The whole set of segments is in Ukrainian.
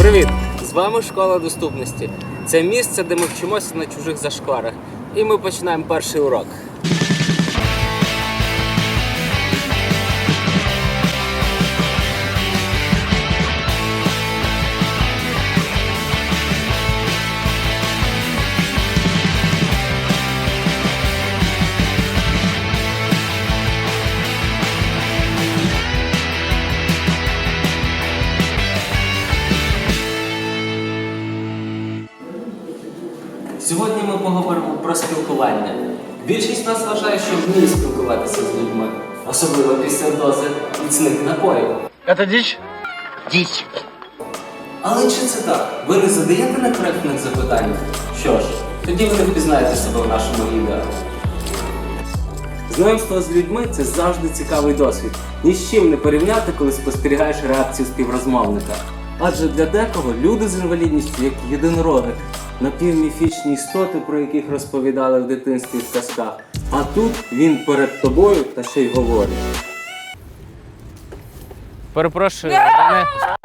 Привіт! З вами Школа доступності. Це місце, де ми вчимося на чужих зашкварах. І ми починаємо перший урок. Сьогодні ми поговоримо про спілкування. Більшість нас вважає, що вміє спілкуватися з людьми, особливо після дози міцних напоїв. Это дичь? Дичь. Але чи це так? Ви не задаєте некоректних запитань? Що ж, тоді ви не впізнаєте себе в нашому відео. Знайомство з людьми – це завжди цікавий досвід. Ні з чим не порівняти, коли спостерігаєш реакцію співрозмовника. Адже для декого люди з інвалідністю, як єдинороги, напівміфічні істоти, про яких розповідали в дитинстві в казках. А тут він перед тобою та ще й говорить. Перепрошую, мене...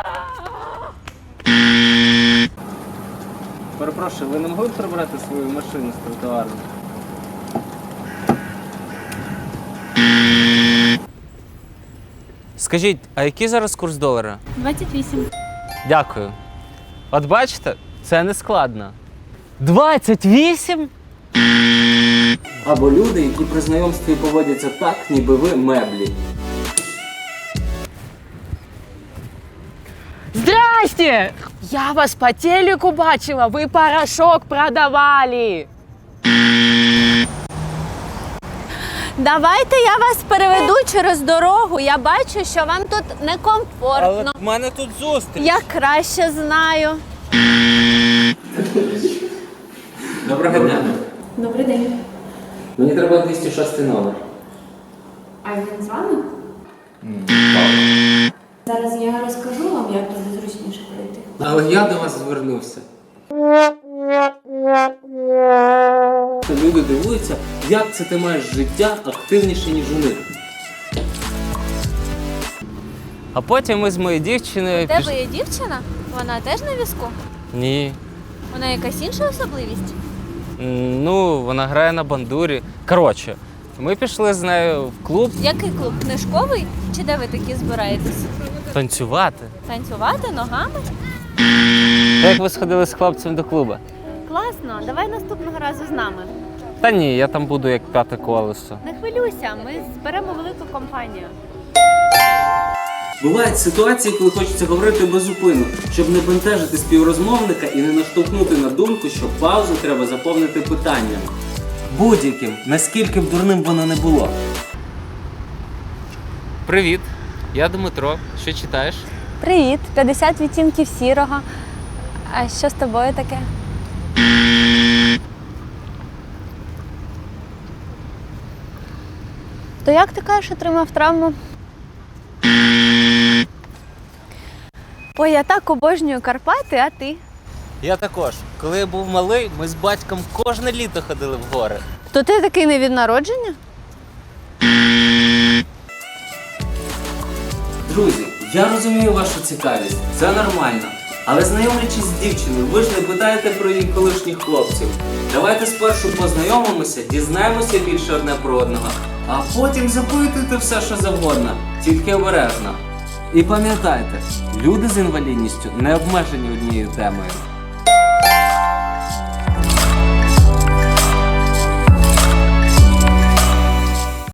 Перепрошую, ви не могли б прибрати свою машину з тротуару? Скажіть, а який зараз курс долара? 28. Дякую. От бачите, це не складно. 28? Або люди, які при знайомстві поводяться так, ніби ви меблі. Здрасте! Я вас по телеку бачила, ви порошок продавали. Давайте я вас переведу через дорогу. Я бачу, що вам тут некомфортно. в мене тут зустріч. Я краще знаю. Доброго дня. Добрий день. Мені треба 206 номер. А він з вами? Зараз я розкажу вам, як туди зручніше пройти. Але я до вас звернувся. Люди дивуються, як це ти маєш життя активніше, ніж у них. А потім ми з моєю дівчиною... У тебе є дівчина? Вона теж на візку? Ні. Вона якась інша особливість? Ну, вона грає на бандурі. Коротше, ми пішли з нею в клуб Який клуб? Книжковий? Чи де ви такі збираєтесь? танцювати. Танцювати ногами? Як ви сходили з хлопцем до клубу? Класно, давай наступного разу з нами. Та ні, я там буду як п'яте колесо. Не хвилюйся, ми зберемо велику компанію. Бувають ситуації, коли хочеться говорити безупинно, щоб не бентежити співрозмовника і не наштовхнути на думку, що паузу треба заповнити питанням. Будь-яким, наскільки б дурним воно не було. Привіт, я Дмитро. Що читаєш? Привіт, 50 відтінків сірого. А що з тобою таке? То як ти кажеш, отримав травму? Ой, я так обожнюю Карпати, а ти? Я також. Коли я був малий, ми з батьком кожне літо ходили в гори. То ти такий не від народження? Друзі, я розумію вашу цікавість, це нормально. Але знайомлячись з дівчиною, ви ж не питаєте про її колишніх хлопців. Давайте спершу познайомимося, дізнаємося більше одне про одного, а потім запитуйте все, що завгодно, тільки обережно. І пам'ятайте, люди з інвалідністю не обмежені однією темою.